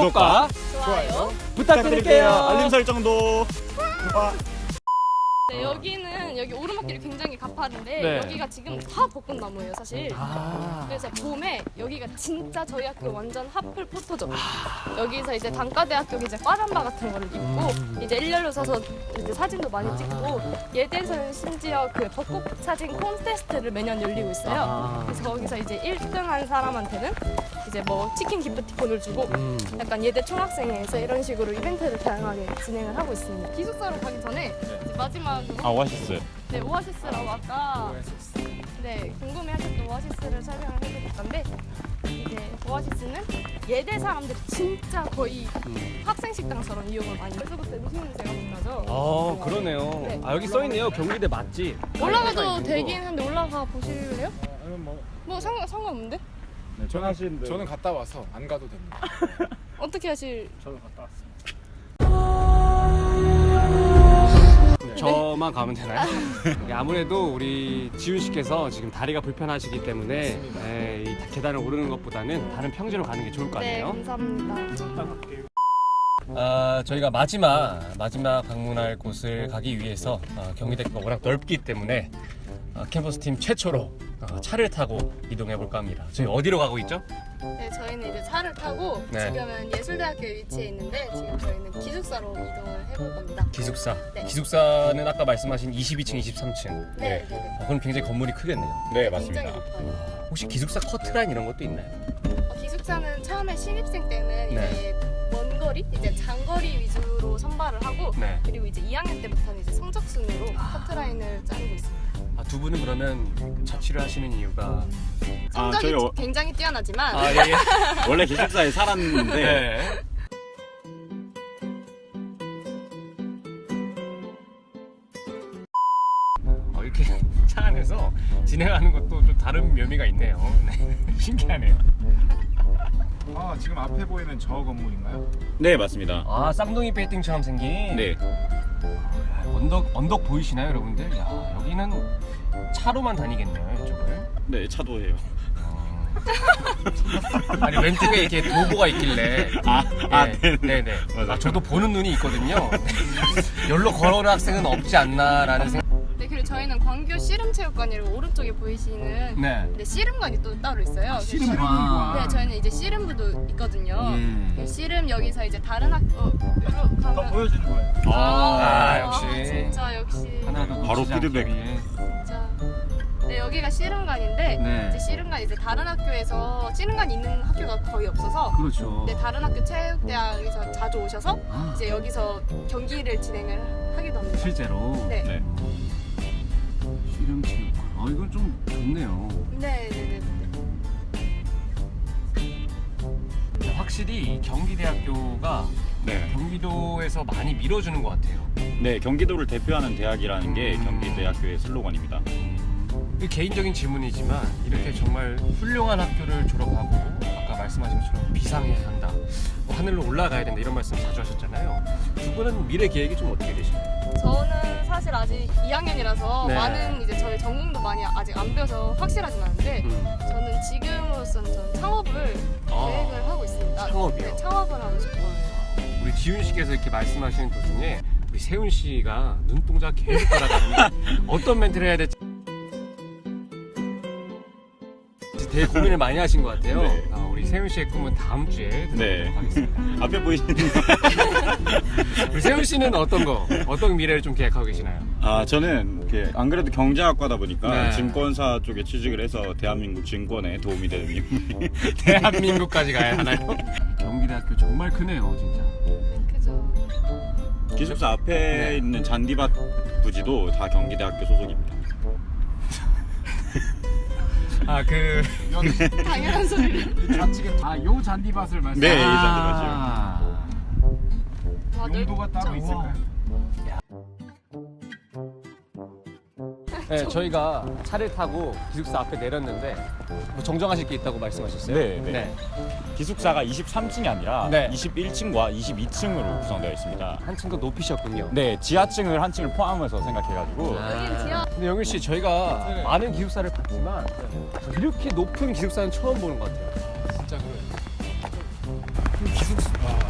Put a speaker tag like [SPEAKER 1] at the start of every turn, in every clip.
[SPEAKER 1] 구독과
[SPEAKER 2] 좋아요.
[SPEAKER 1] 부탁드릴게요.
[SPEAKER 3] 알림 설정도.
[SPEAKER 2] 네, 여기 오르막길이 굉장히 가파른데
[SPEAKER 1] 네.
[SPEAKER 2] 여기가 지금 다 벚꽃나무예요, 사실.
[SPEAKER 1] 아,
[SPEAKER 2] 그래서 봄에 여기가 진짜 저희 학교 완전 핫플 포토죠. 여기서 이제 단과대학교 이제 과잠바 같은 거를 입고 이제 일렬로 서서 이제 사진도 많이 찍고 예대에서는 심지어 그 벚꽃 사진 콘테스트를 매년 열리고 있어요. 그래서 거기서 이제 1등한 사람한테는 이제 뭐 치킨 기프티콘을 주고 약간 예대 총학생회에서 이런 식으로 이벤트를 다양하게 진행을 하고 있습니다. 기숙사로 가기 전에 이제 마지막으로
[SPEAKER 3] 오아시스.
[SPEAKER 2] 네, 오아시스라고 아까 네, 궁금해하셨던 오아시스를 설명을 해드릴 건데 이제 오아시스는 예대 사람들이 진짜 거의 학생 식당처럼 이용을 많이 해서 그때 무슨 냄새가 못 나죠?
[SPEAKER 1] 그러네요.
[SPEAKER 2] 네.
[SPEAKER 1] 아, 여기 써있네요. 경기대 맛집.
[SPEAKER 2] 올라가도 되긴 한데 올라가 보실래요?
[SPEAKER 4] 아니면
[SPEAKER 2] 뭐 상관없는데?
[SPEAKER 4] 저는 갔다 와서 안 가도 됩니다.
[SPEAKER 2] 어떻게 하실?
[SPEAKER 4] 저는 갔다 왔습니다.
[SPEAKER 1] 저만 가면 되나요? 네, 아무래도 우리 지훈 씨께서 지금 다리가 불편하시기 때문에 네, 이 계단을 오르는 것보다는 다른 평지로 가는 게 좋을 것
[SPEAKER 2] 네,
[SPEAKER 1] 같네요.
[SPEAKER 2] 감사합니다.
[SPEAKER 1] 저희가 마지막 방문할 곳을 가기 위해서 경기대가 워낙 넓기 때문에 캠퍼스 팀 최초로 차를 타고 이동해 볼까 합니다. 저희 어디로 가고 있죠?
[SPEAKER 2] 네, 저희는 이제 차를 타고
[SPEAKER 1] 네.
[SPEAKER 2] 지금은 예술대학교에 위치해 있는데 지금 저희는 기숙사로 이동을 해볼 겁니다.
[SPEAKER 1] 기숙사.
[SPEAKER 2] 네.
[SPEAKER 1] 기숙사는 아까 말씀하신 22층, 23층.
[SPEAKER 2] 네, 네.
[SPEAKER 1] 그럼 굉장히 건물이 크겠네요.
[SPEAKER 3] 네,
[SPEAKER 2] 굉장히
[SPEAKER 3] 맞습니다.
[SPEAKER 2] 높아요.
[SPEAKER 1] 혹시 기숙사 커트라인 이런 것도 있나요?
[SPEAKER 2] 기숙사는 처음에 신입생 때는
[SPEAKER 1] 네.
[SPEAKER 2] 이제 먼 거리, 이제 장거리 위주로 선발을 하고
[SPEAKER 1] 네.
[SPEAKER 2] 그리고 이제 2학년 때부터는 이제 성적 순으로 커트라인을 자르고 있습니다.
[SPEAKER 1] 두 분은 그러면 자취를 하시는 이유가
[SPEAKER 2] 성적이
[SPEAKER 3] 저희
[SPEAKER 2] 굉장히 뛰어나지만
[SPEAKER 1] 예.
[SPEAKER 3] 원래 기숙사에 살았는데
[SPEAKER 1] 네. 이렇게 차 안에서 진행하는 것도 좀 다른 묘미가 있네요. 네. 신기하네요.
[SPEAKER 4] 지금 앞에 보이는 저 건물인가요?
[SPEAKER 3] 네, 맞습니다.
[SPEAKER 1] 쌍둥이 빌딩처럼 생긴.
[SPEAKER 3] 네.
[SPEAKER 1] 언덕 보이시나요, 여러분들? 야, 여기는 차로만 다니겠네요, 이쪽을.
[SPEAKER 3] 네, 차도예요.
[SPEAKER 1] 아니 왼쪽에 이렇게 도보가 있길래 네네.
[SPEAKER 3] 맞아요.
[SPEAKER 1] 저도 보는 눈이 있거든요. 여기로 걸어오는 학생은 없지 않나라는 생각.
[SPEAKER 2] 네, 그리고 저희는 광교 씨름체육관이라고 오른쪽에 보이시는
[SPEAKER 1] 네.
[SPEAKER 2] 네, 씨름관이 또 따로 있어요.
[SPEAKER 1] 씨름관.
[SPEAKER 2] 네, 저희는 이제 씨름부도 있거든요. 네, 씨름 여기서 이제 다른 학교 가면
[SPEAKER 4] 보여주는 거예요.
[SPEAKER 1] 역시.
[SPEAKER 2] 진짜 역시
[SPEAKER 1] 하나도
[SPEAKER 3] 바로
[SPEAKER 1] 놓치지 않기
[SPEAKER 3] 피드백.
[SPEAKER 1] 위해.
[SPEAKER 2] 진짜. 네, 여기가 씨름관인데
[SPEAKER 1] 네.
[SPEAKER 2] 이제 씨름관 이제 다른 학교에서 씨름관 있는 학교가 거의 없어서
[SPEAKER 1] 그렇죠.
[SPEAKER 2] 네, 다른 학교 체육대학에서 자주 오셔서 이제 여기서 경기를 진행을 하기도 합니다.
[SPEAKER 1] 실제로.
[SPEAKER 2] 네.
[SPEAKER 3] 네.
[SPEAKER 1] 씨름 체육관. 이건 좀 좋네요.
[SPEAKER 2] 네, 네, 네.
[SPEAKER 1] 확실히 경기대학교가
[SPEAKER 3] 네.
[SPEAKER 1] 경기도에서 많이 밀어주는 것 같아요.
[SPEAKER 3] 네, 경기도를 대표하는 대학이라는 게 경기대학교의 슬로건입니다.
[SPEAKER 1] 개인적인 질문이지만 이렇게 정말 훌륭한 학교를 졸업하고 아까 말씀하신 것처럼 비상해야 한다, 뭐 하늘로 올라가야 된다 이런 말씀 자주 하셨잖아요. 두 분은 미래 계획이 좀 어떻게 되시나요?
[SPEAKER 2] 저는 사실 아직 2학년이라서
[SPEAKER 1] 네.
[SPEAKER 2] 많은 이제 저희 전공도 많이 아직 안 배워서 확실하진 않은데 저는 지금으로서는 저는 창업을 계획을 하고 있습니다.
[SPEAKER 1] 창업이요?
[SPEAKER 2] 네, 창업을 하고 싶어요.
[SPEAKER 1] 우리 지훈 씨께서 이렇게 말씀하시는 도중에 우리 세훈 씨가 눈동자 계속 따라가는데 어떤 멘트를 해야 될지 되게 고민을 많이 하신 것 같아요.
[SPEAKER 3] 네.
[SPEAKER 1] 우리 세훈 씨의 꿈은 다음 주에 들어보도록
[SPEAKER 3] 네.
[SPEAKER 1] 하겠습니다.
[SPEAKER 3] 앞에 보이시는
[SPEAKER 1] 우리 세훈 씨는 어떤 미래를 좀 계획하고 계시나요?
[SPEAKER 3] 저는 안 그래도 경제학과다 보니까
[SPEAKER 1] 네.
[SPEAKER 3] 증권사 쪽에 취직을 해서 대한민국 증권에 도움이 되는 인물이
[SPEAKER 1] 대한민국까지 가야 하나요? 경기대학교 정말 크네요, 진짜.
[SPEAKER 2] 그죠.
[SPEAKER 3] 기숙사 앞에
[SPEAKER 1] 네.
[SPEAKER 3] 있는 잔디밭 부지도 다 경기대학교 소속입니다.
[SPEAKER 2] 당연한 소리를.
[SPEAKER 4] 좌측에 요 잔디밭을 말씀.
[SPEAKER 3] 네, 이 잔디밭이요.
[SPEAKER 2] 와,
[SPEAKER 4] 용도가 따로
[SPEAKER 2] 넓죠?
[SPEAKER 4] 있을까요?
[SPEAKER 1] 네, 저희가 차를 타고 기숙사 앞에 내렸는데 뭐 정정하실 게 있다고 말씀하셨어요?
[SPEAKER 3] 네. 기숙사가 23층이 아니라
[SPEAKER 1] 네.
[SPEAKER 3] 21층과 22층으로 구성되어 있습니다.
[SPEAKER 1] 한 층 더 높이셨군요.
[SPEAKER 3] 네, 지하층을 한 층을 포함해서 생각해가지고
[SPEAKER 2] 여긴 지하.
[SPEAKER 1] 근데 영일 씨, 저희가
[SPEAKER 4] 네.
[SPEAKER 1] 많은 기숙사를 봤지만 이렇게 높은 기숙사는 처음 보는 것 같아요.
[SPEAKER 4] 진짜 그래요. 기숙사.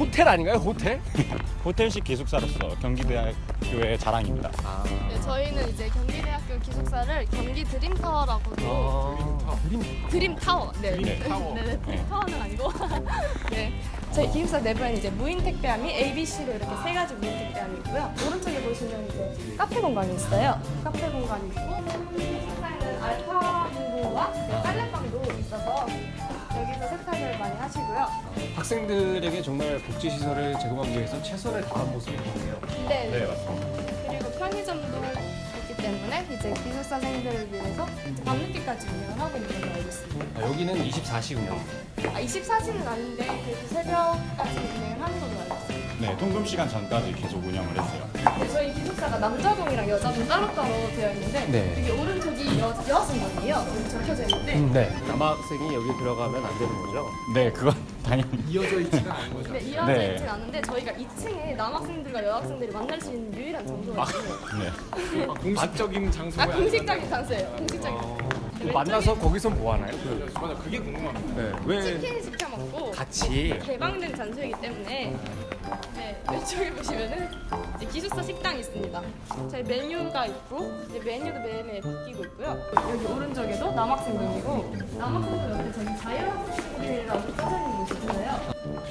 [SPEAKER 1] 호텔 아닌가요? 호텔?
[SPEAKER 3] 호텔식 기숙사로서 경기대학교의 자랑입니다.
[SPEAKER 1] 아.
[SPEAKER 2] 네, 저희는 이제 경기대학교 기숙사를 경기 드림타워라고도 드림타워. 네.
[SPEAKER 4] 드림타워.
[SPEAKER 2] 네, 드림타워는 아니고. 네. 저희 기숙사 내부에는 이제 무인 택배함이 ABC로 이렇게 세 가지 무인 택배함이 있고요. 오른쪽에 보시면 이제 카페 공간이 있어요. 카페 공간이 있고 기숙사에는 알파 공부와 빨래방도 있어서 여기서 세탁을 많이 하시고요.
[SPEAKER 1] 학생들에게 정말 복지 시설을 제공하기 위해서 최선을 다한 모습이 보이네요.
[SPEAKER 2] 네.
[SPEAKER 3] 맞습니다.
[SPEAKER 2] 그리고 편의점도 있기 때문에 이제 기숙사생들을 위해서 이제 밤늦게까지 운영을 하고 있는 걸로 알고 있습니다.
[SPEAKER 1] 여기는 24시 운영.
[SPEAKER 2] 24시는 아닌데 그래도 새벽까지 운영을 하는 걸로 알고 있습니다.
[SPEAKER 3] 네, 통금 시간 전까지 계속 운영을 했어요.
[SPEAKER 2] 네, 저희 기숙사가 남자동이랑 여자동 따로따로 되어 있는데
[SPEAKER 1] 네.
[SPEAKER 2] 여기 오른쪽이 여학생방이에요. 여기 적혀져 있는데
[SPEAKER 1] 네. 남학생이 여기 들어가면 안 되는 거죠?
[SPEAKER 3] 네, 그건 당연히.
[SPEAKER 4] 이어져 있지는 않은 거죠.
[SPEAKER 2] 네, 이어져
[SPEAKER 3] 네.
[SPEAKER 2] 있진 않은데 저희가 2층에 남학생들과 여학생들이 만날 수 있는 유일한 장소가 있어요.
[SPEAKER 3] 네.
[SPEAKER 4] 공식적인 장소가
[SPEAKER 2] 공식적인 장소예요. 공식적인. 네,
[SPEAKER 1] 만나서 거기서 뭐 하나요?
[SPEAKER 4] 맞아, 그게 궁금합니다.
[SPEAKER 1] 네. 왜
[SPEAKER 2] 치킨 시켜 먹고
[SPEAKER 1] 같이?
[SPEAKER 2] 개방된 장소이기 때문에 네, 왼쪽에 보시면은 이제 기숙사 식당이 있습니다. 저희 메뉴가 있고 이제 메뉴도 매일매일 바뀌고 있고요. 여기 오른쪽에도 남학생동이고 남학생동 옆에 저기 자유학생들이라고 써져 있는 곳이 있어요.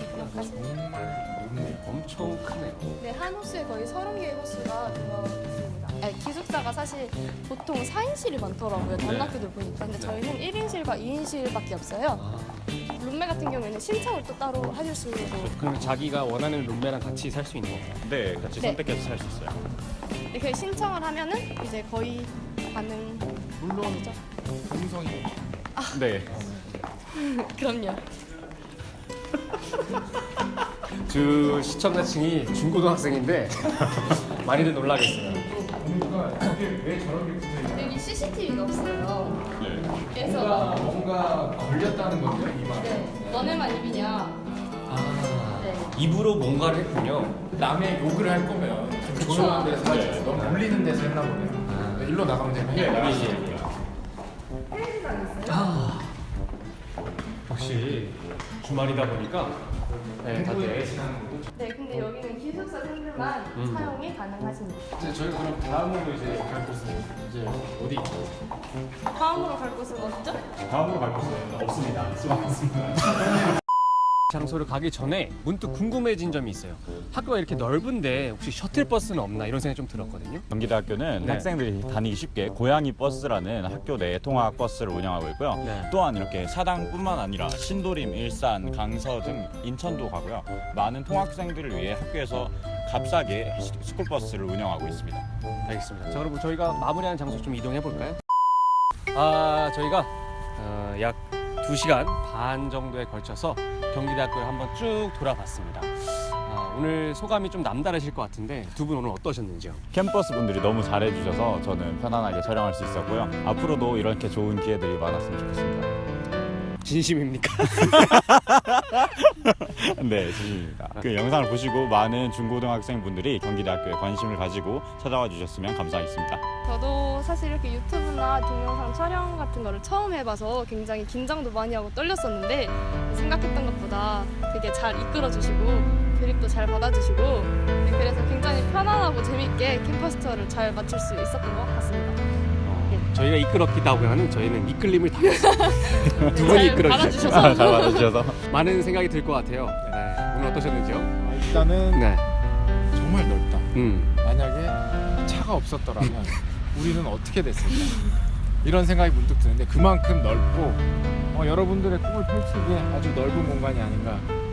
[SPEAKER 1] 엄청 크네요.
[SPEAKER 2] 네, 한 호수에 거의 30개의 호수가 들어 있습니다. 네, 기숙사가 사실 보통 4인실이 많더라고요. 다른 학교들 보니까. 근데 저희는 1인실과 2인실밖에 없어요. 룸메 같은 경우에는 신청을 또 따로 하실 수 있고
[SPEAKER 1] 그럼 자기가 원하는 룸메랑 같이 살 수 있는 건가요?
[SPEAKER 3] 네, 같이
[SPEAKER 2] 네.
[SPEAKER 3] 선택해서 살 수 있어요.
[SPEAKER 2] 네, 그 신청을 하면은 이제 거의 가능.
[SPEAKER 4] 물론 동성이
[SPEAKER 3] 네.
[SPEAKER 2] 그럼요.
[SPEAKER 1] 주 시청자층이 중고등학생인데 많이들 놀라겠어요.
[SPEAKER 4] 뭔가 이게 왜 저렇게 붙어 있냐?
[SPEAKER 2] 여기 CCTV가 없어요.
[SPEAKER 3] 네.
[SPEAKER 2] 그래서
[SPEAKER 4] 뭔가 걸렸다는 거죠, 이만.
[SPEAKER 2] 네, 너네만 입이냐?
[SPEAKER 1] 아,
[SPEAKER 2] 네.
[SPEAKER 1] 입으로 뭔가를 했군요.
[SPEAKER 4] 남의 욕을 할 거면 좀 조용한 데서 하지.
[SPEAKER 3] 네.
[SPEAKER 4] 너무 울리는 데서 했나 보네요. 일로 나가면 되면
[SPEAKER 3] 여기
[SPEAKER 2] 헬스장 있어요.
[SPEAKER 1] 아, 역시 주말이다 보니까 네, 다들.
[SPEAKER 2] 네, 근데 여기는 기숙사생들만 사용이 가능하십니다.
[SPEAKER 1] 이제 저희가 그럼 다음으로 이제 갈 곳은 이제 어디 있죠?
[SPEAKER 2] 다음으로 갈 곳은 어디죠?
[SPEAKER 3] 다음으로 갈 곳은 없습니다. 수고하셨습니다.
[SPEAKER 1] 장소를 가기 전에 문득 궁금해진 점이 있어요. 학교가 이렇게 넓은데 혹시 셔틀버스는 없나 이런 생각이 좀 들었거든요.
[SPEAKER 3] 경기대학교는
[SPEAKER 1] 네.
[SPEAKER 3] 학생들이 다니기 쉽게 고양이 버스라는 학교 내 통학 버스를 운영하고 있고요.
[SPEAKER 1] 네.
[SPEAKER 3] 또한 이렇게 사당뿐만 아니라 신도림, 일산, 강서 등 인천도 가고요. 많은 통학생들을 위해 학교에서 값싸게 스쿨버스를 운영하고 있습니다.
[SPEAKER 1] 알겠습니다. 자, 그럼 저희가 마무리하는 장소 좀 이동해 볼까요? 아, 저희가 약 2시간 반 정도에 걸쳐서 경기대학교를 한번 쭉 돌아봤습니다. 오늘 소감이 좀 남다르실 것 같은데 두 분 오늘 어떠셨는지요?
[SPEAKER 3] 캠퍼스 분들이 너무 잘해주셔서 저는 편안하게 촬영할 수 있었고요. 앞으로도 이렇게 좋은 기회들이 많았으면 좋겠습니다.
[SPEAKER 1] 진심입니까?
[SPEAKER 3] 네, 진심입니다. 그 영상을 보시고 많은 중고등학생 분들이 경기대학교에 관심을 가지고 찾아와 주셨으면 감사하겠습니다.
[SPEAKER 2] 저도 사실 이렇게 유튜브나 동영상 촬영 같은 거를 처음 해봐서 굉장히 긴장도 많이 하고 떨렸었는데 생각했던 것보다 되게 잘 이끌어주시고 드립도 잘 받아주시고 네, 그래서 굉장히 편안하고 재밌게 캠퍼스 투어를 잘 마칠 수 있었던 것 같습니다.
[SPEAKER 1] 저희가 이끌었기도 하고는 저희는 이끌림을 당했어요. 두 분이
[SPEAKER 2] 잘
[SPEAKER 1] 이끌어주셔서
[SPEAKER 2] 받아주셔서
[SPEAKER 3] 잘 받아주셔서.
[SPEAKER 1] 많은 생각이 들 것 같아요. 네, 오늘 어떠셨는지요?
[SPEAKER 4] 일단은
[SPEAKER 1] 네.
[SPEAKER 4] 정말 넓다. 만약에 차가 없었더라면 우리는 어떻게 됐을까? 이런 생각이 문득 드는데 그만큼 넓고 여러분들의 꿈을 펼치기에 아주 넓은 공간이 아닌가.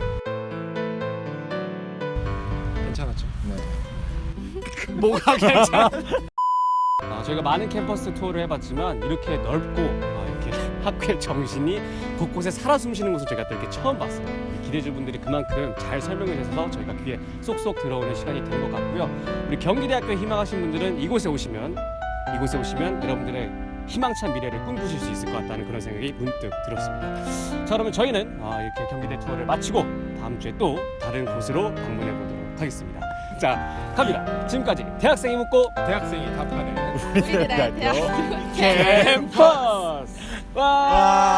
[SPEAKER 4] 괜찮았죠? 네.
[SPEAKER 1] 뭐가 괜찮아? 저희가 많은 캠퍼스 투어를 해봤지만 이렇게 넓고 이렇게 학교의 정신이 곳곳에 살아 숨쉬는 곳을 저희가 또 이렇게 처음 봤어요. 기대주분들이 그만큼 잘 설명해 주셔서 저희가 귀에 쏙쏙 들어오는 시간이 된 것 같고요. 우리 경기대학교에 희망하신 분들은 이곳에 오시면 여러분들의 희망찬 미래를 꿈꾸실 수 있을 것 같다는 그런 생각이 문득 들었습니다. 자, 그러면 저희는 이렇게 경기대 투어를 마치고 다음 주에 또 다른 곳으로 방문해 보도록 하겠습니다. 자, 갑니다. 지금까지 대학생이 묻고
[SPEAKER 4] 대학생이 답하는
[SPEAKER 2] 우리들의 대학
[SPEAKER 1] 캠퍼스. 와.